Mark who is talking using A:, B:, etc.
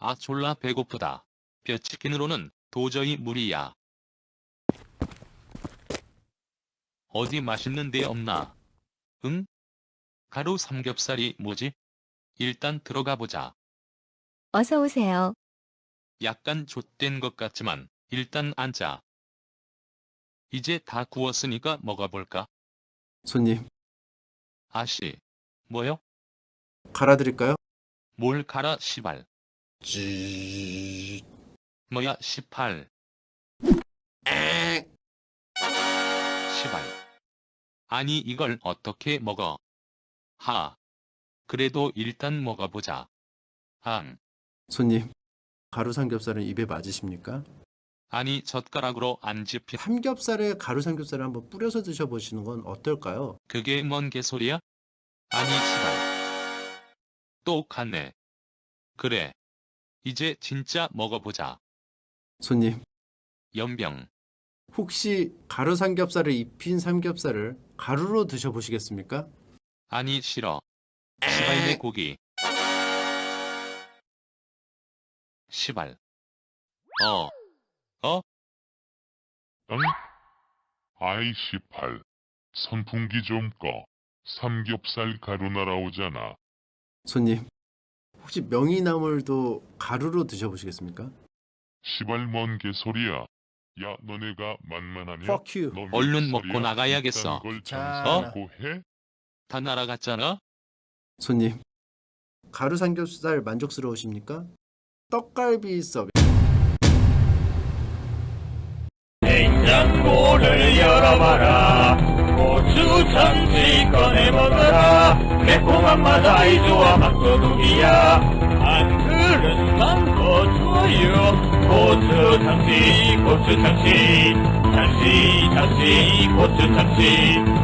A: 아 졸라 배고프다. 뼈치킨으로는 도저히 무리야. 어디 맛있는 데 없나? 응? 가루 삼겹살이 뭐지? 일단 들어가 보자.
B: 어서 오세요.
A: 약간 좆된 것 같지만 일단 앉자. 이제 다 구웠으니까 먹어볼까?
C: 손님,
A: 아씨. 뭐요?
C: 갈아드릴까요?
A: 뭘 갈아 시발.
C: 쥐...
A: 뭐야 18.
C: 에...
A: 시발. 아니 이걸 어떻게 먹어? 하. 그래도 일단 먹어보자.
C: 손님, 가루 삼겹살은 입에 맞으십니까?
A: 아니 젓가락으로 안 집히.
C: 삼겹살에 가루 삼겹살을 한번 뿌려서 드셔보시는 건 어떨까요?
A: 그게 뭔 개소리야? 아니 시발. 또 갔네. 그래. 이제 진짜 먹어보자.
C: 손님,
A: 연병.
C: 혹시 가루 삼겹살을 입힌 삼겹살을 가루로 드셔보시겠습니까?
A: 아니 싫어. 시발내 고기. 시발.
D: 응? 아이 18. 선풍기 좀 꺼. 삼겹살 가루 날아오잖아.
C: 손님, 혹시 명이나물도 가루로 드셔보시겠습니까?
D: 시발 뭔 개소리야. 야 너네가 만만하냐?
C: Fuck you.
D: 너 몇
A: 얼른
D: 살이야?
A: 먹고 나가야겠어.
D: 이딴 걸
C: 자.
D: 장사하고 해?
A: 다 날아갔잖아?
C: 손님, 가루 삼겹살 만족스러우십니까? 떡갈비 서비스.
E: 냉장고를 열어봐라. 고추 참치 꺼내 먹어라. 매콤한 맛 아이 좋아 맛도둑이야. 안 그릇만 고추요. 고추 참치 고추 참치 참치 참치 고추 참치